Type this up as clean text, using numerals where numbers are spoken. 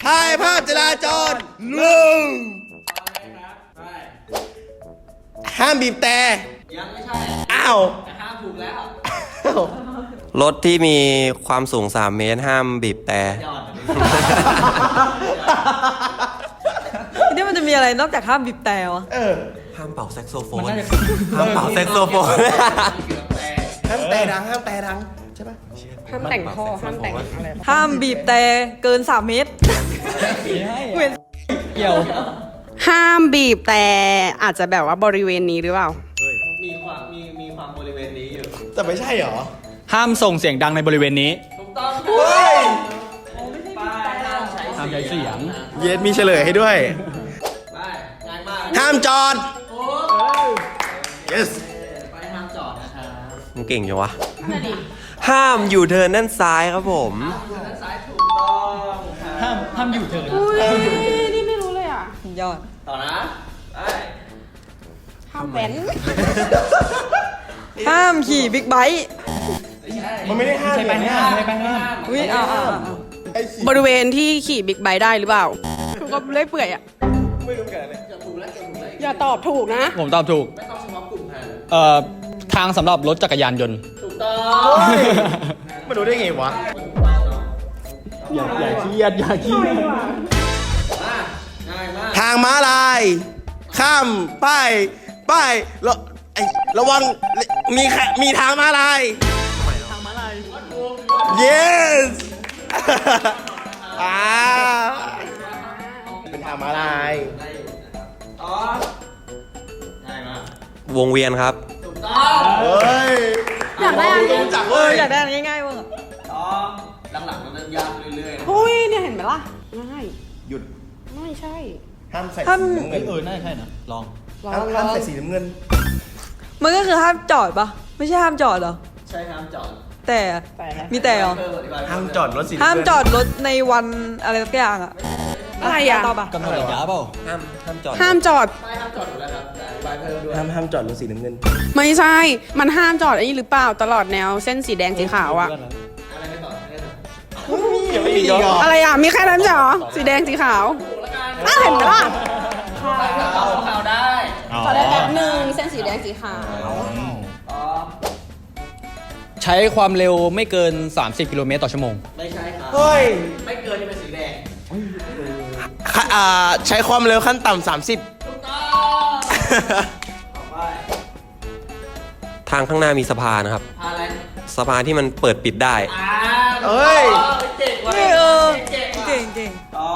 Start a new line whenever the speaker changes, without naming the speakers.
ถ่ายภาพจราจรลุงห้ามบีบแต่
ยังไม่ใช่
อ้าว
แต่ห้ามถูกแล้ว
รถที่มีความสูง3 เมตรห้ามบีบแต่
ยอด
นี่มันจะมีอะไรนอกจากห้ามบีบแต่วะ
ห้ามเป่าแซกโซโฟนห้ามเป่าแซกโซโฟน
ห้ามแต่ดังใช่ปะ
ห้ามแต่งท่อห้ามแต่งอะไร
ห้ามบีบแต่เกิน3 เมตรเว้น
เกี่ยว
ห้ามบีบแต่อาจจะแบบว่าบริเวณนี้หรือเปล่า
มีความบริเวณนี้อยู่
แต่ไม่ใช่หรอ
ห้ามส่งเสียงดังในบริเวณนี้
ถูกต้อง
เฮ้ย
ป้ายห้ามใช้
ห้ามใช้เสียง
เย็ดมีเฉลยให้ด้วย
ป้ายง่ายมาก
ห้ามจอด
โอ้
yes
ป้ายห้ามจอดนะครับ
มึงเก่งจังวะห้ามอยู่เทิร์นด้านซ้ายครับผม
ด้านซ้ายถูกต้องครับ
ห้ามอยู่เถิด
อุ้ยนี่ไม่รู้เลยอ่ะ
ยอด
ต่อนะไป
ห้ามแว้น
ห้ามขี่บิ๊กไบค์
มันไม่ได้ห้าม
ใช่ไปห้ามใช่ไปห้าม
อุ้ยเอา
ไอ้ขี้
บริเวณที่ขี่บิ๊กไบค์ได้หรือเปล่าคือก็เลื่อยเปื่อยอ่ะ
ไม่รู้กันเลย
จะถูกแล้วจะถูกแล้ว
อย่าตอบถูกนะ
ผมตอบถูก
ไม่ต้องเฉพาะกลุ่มแทน
ทางสำหรับรถจักรยานยนต์
ถูกต้อง
มาดูได้ไงวะ
ถูกต้องเนาะ
อย่าเครียดอย่าเครียด
มาง่ายมาก
ทางม้าลาย ข้ามป้ายระวังมีทางม้าลาย yes เป็นทางม้าลาย
ได้อยู่นะครับต่อง่ายมาก
วงเวียนครับ
ถูกต้อง
เฮ้ย
อยากได้อันนี้
รู้จัก
เอ
เว้
อย อยากได้อันง่ายๆบ้างอะ
ต่อหลังๆมันเริ่มยากเรื่อยๆนะ
อุ้ยเนี่ยเห็นไหมล่ะง่าย
หยุด
ไม่ใช่
ห้ามใส่สีน้ำเงิน
น่าจะใช่นะ ลอง
ลอง
ห้ามใส่สีน้ำเงิน
มันก็คือห้ามจอดปะไม่ใช่ห้ามจอดเหรอ
ใช่ห้ามจอด
แต่
แต่นะ
มีแต่เหรอ
ห้ามจอดรถสีน้ำเงิน
ห้ามจอดรถในวันอะไรสักอย่างอะ
อะไรอ่ะ
ตอบปะ
กำหนดระยะเปล่า
ห้ามจอด
ห้ามจอด
ป้ายห้ามจอดอยู่แล้วครับแต่อธิบายเพิ่มด้วย
ห้ามจอดรถสีน้ำเงิน
ไม่ใช่ มันห้ามจอดอันนี้หรือเปล่าตลอดแนวเส้นสีแดงสีขาวอะ
อะไรไม่ต่อไม่ต่อ
ยังไม่มีอีกเหรอ
อะไรอ่ะ มีแค่นั้นเหรอ สีแดงสีขาว
ถูกแล้วกัน
อ้าวเห็นไหมล่ะ
ข่าวได้
ขอได้แป๊บหนึ่งเส้นสีแดงสีขาว
อ๋อ
ใช้ความเร็วไม่เกิน 30 กิโลเมตรต่อชั่วโมง
ไม่ใช่ครับ
เฮ้ย
ไม่เกินที่เป็นสีแดง
ใช้ความเร็วขั้นต่ำ30
ถูกต้องต่อไป
ทางข้างหน้ามีสะพานนะครับ
อะไร
สะพานที่มันเปิดปิดได้
เอ้ย
เจ๋งว่ะ
เออ
เจ๋